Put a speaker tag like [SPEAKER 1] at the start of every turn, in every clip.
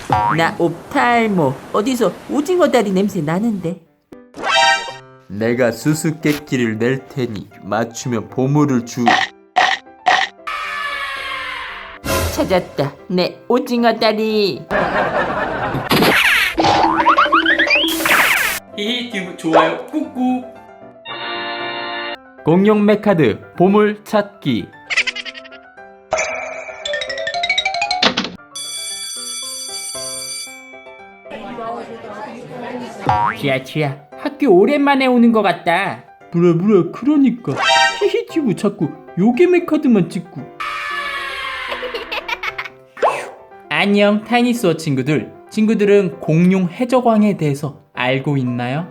[SPEAKER 1] 나 옵탈모. 어디서 오징어 다리 냄새 나는데?
[SPEAKER 2] 내가 수수께끼를 낼 테니 맞추면 보물을 주.
[SPEAKER 1] 찾았다. 내 오징어 다리.
[SPEAKER 3] 히히튜브 좋아요 꾹꾹.
[SPEAKER 2] 공룡 메카드 보물 찾기.
[SPEAKER 1] 쥐야 학교 오랜만에 오는 것 같다.
[SPEAKER 2] 뭐라 그러니까 히히튜브 자꾸 요괴 메카드만 찍고.
[SPEAKER 1] 안녕 타이니스워 친구들은 공룡 해적왕에 대해서 알고 있나요?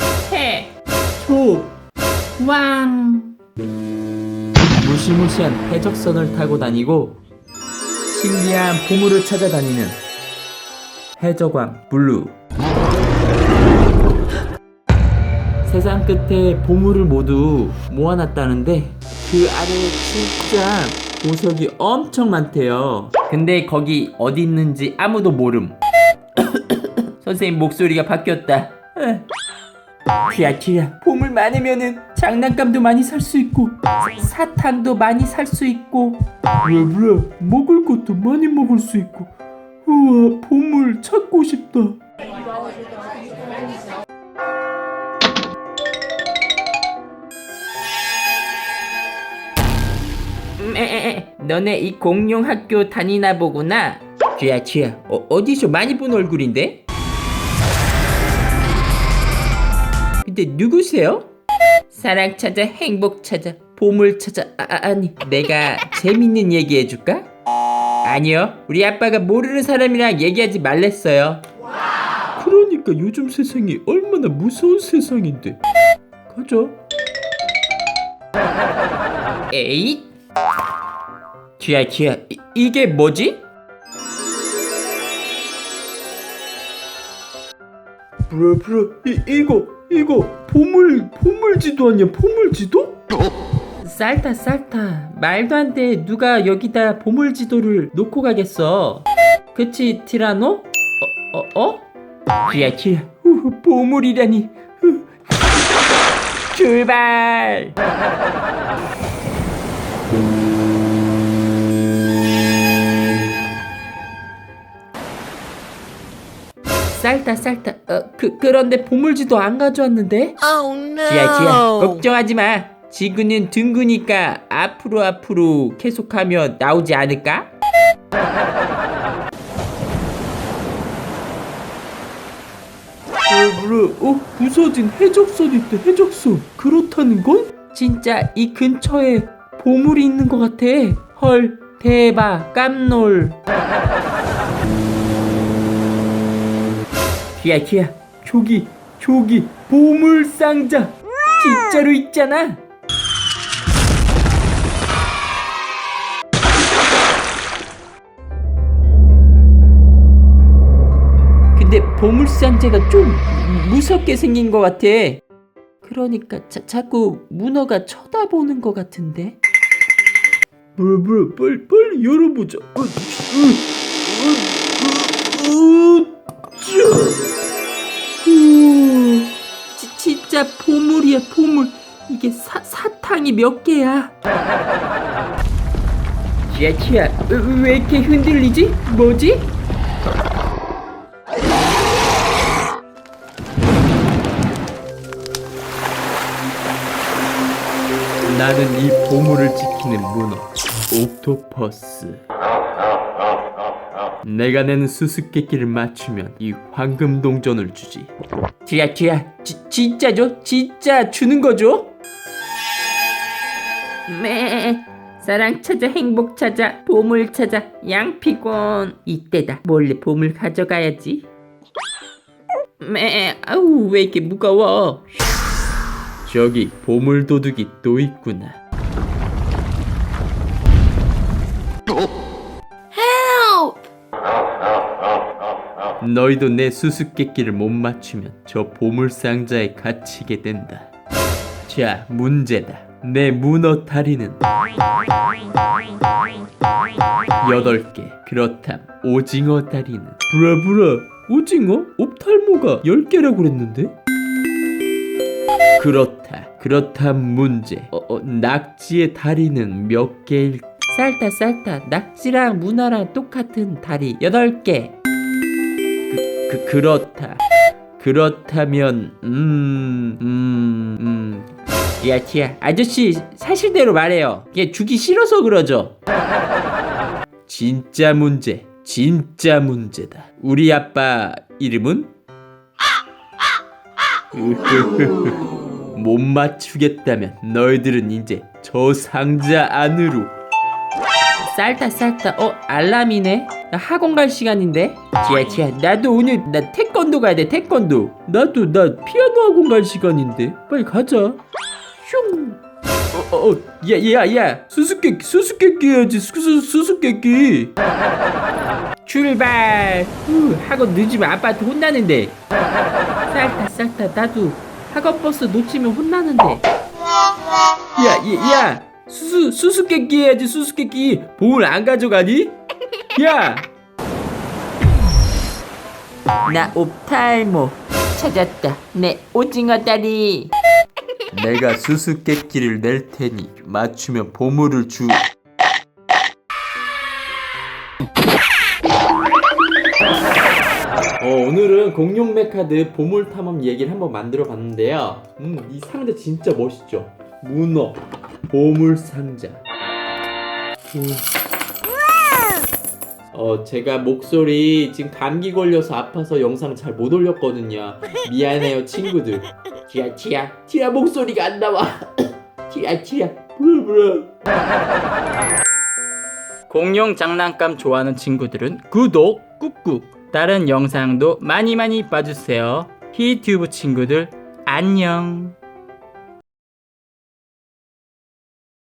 [SPEAKER 1] 해적왕 무시무시한 해적선을 타고 다니고 신기한 보물을 찾아다니는 해적왕 블루. 세상 끝에 보물을 모두 모아놨다는데 그 아래에 진짜 보석이 엄청 많대요. 근데 거기 어디 있는지 아무도 모름. 선생님 목소리가 바뀌었다. 쥐야 보물 많으면은 장난감도 많이 살 수 있고 사탕도 많이 살 수 있고
[SPEAKER 2] 뭐라 먹을 것도 많이 먹을 수 있고. 우와 보물 찾고 싶다.
[SPEAKER 1] 너네 이 공룡 학교 다니나 보구나. 쥐야 어디서 많이 본 얼굴인데? 근데 누구세요? 사랑 찾아 행복 찾아 보물 찾아 아니 내가 재밌는 얘기 해줄까? 아니요 우리 아빠가 모르는 사람이랑 얘기하지 말랬어요.
[SPEAKER 2] 그러니까 요즘 세상이 얼마나 무서운 세상인데. 가자.
[SPEAKER 1] 에잇 쥐야 이게 뭐지?
[SPEAKER 2] 브라 이거 보물지도 아니야? 보물지도?
[SPEAKER 1] 쌀타 말도 안 돼. 누가 여기다 보물지도를 놓고 가겠어. 그치 티라노? 쥐야 보물이라니. 출발. 쌀타 그런데 보물지도 안 가져왔는데? 쥐야 걱정하지 마. 지구는 둥그니까 앞으로 계속하면 나오지 않을까?
[SPEAKER 2] 뭐라 부서진 해적선 있대. 해적선. 그렇다는 건?
[SPEAKER 1] 진짜 이 근처에 보물이 있는 것 같아. 헐 대박 깜놀. 쥐야 저기 보물 상자 진짜로 있잖아. 근데 보물 상자가 좀 무섭게 생긴 것 같아. 그러니까 자꾸 문어가 쳐다보는 것 같은데.
[SPEAKER 2] 뭐라 빨리 열어보자.
[SPEAKER 1] 진짜 보물이야 보물. 이게 사탕이 몇 개야? 쥐야 왜 이렇게 흔들리지? 뭐지?
[SPEAKER 2] 나는 이 보물을 지키는 문어 옥토퍼스. 내가 내는 수수께끼를 맞추면 이 황금 동전을 주지.
[SPEAKER 1] 쥐야 진짜죠? 진짜 주는 거죠? 사랑 찾아 행복 찾아 보물 찾아 양피곤. 이때다 몰래 보물 가져가야지. 아우 왜 이렇게 무거워.
[SPEAKER 2] 저기 보물 도둑이 또 있구나. 너희도 내 수수께끼를 못 맞추면 저 보물 상자에 갇히게 된다. 자, 문제다. 내 문어 다리는
[SPEAKER 1] 8개. 그렇담 오징어 다리는
[SPEAKER 2] 브라브라 오징어? 옵탈모가 10개라고 그랬는데?
[SPEAKER 1] 그렇다 문제. 낙지의 다리는 몇 개일? 쌀타 낙지랑 문어랑 똑같은 다리 8개. 그렇다면 티야 아저씨 사실대로 말해요. 얘 주기 싫어서 그러죠. 진짜 문제다. 우리 아빠 이름은? 못 맞추겠다면 너희들은 이제 저 상자 안으로. 쌀타 알람이네. 나 학원 갈 시간인데. 지야 나도 오늘 나 태권도 가야 돼. 태권도.
[SPEAKER 2] 나도 피아노 학원 갈 시간인데 빨리 가자. 슝.
[SPEAKER 1] 야
[SPEAKER 2] 수수께끼 해야지. 수수께끼.
[SPEAKER 1] 출발. 학원 늦으면 아빠한테 혼나는데. 쌀타 나도 학원 버스 놓치면 혼나는데. 야 수수께끼 해야지. 수수께끼. 봉을 안 가져가니? 야. 나 옵탈모 찾았다. 내 오징어 다리. 내가 수수께끼를 낼 테니 맞추면 보물을 주. 오늘은 공룡 메카드 보물 탐험 얘기를 한번 만들어 봤는데요. 이 상자 진짜 멋있죠? 문어 보물 상자. 제가 목소리 지금 감기 걸려서 아파서 영상 잘 못 올렸거든요. 미안해요 친구들. 티야 목소리가 안 나와. 티야 부르부르. 공룡 장난감 좋아하는 친구들은 구독 꾹꾹. 다른 영상도 많이 봐주세요. 히튜브 친구들 안녕.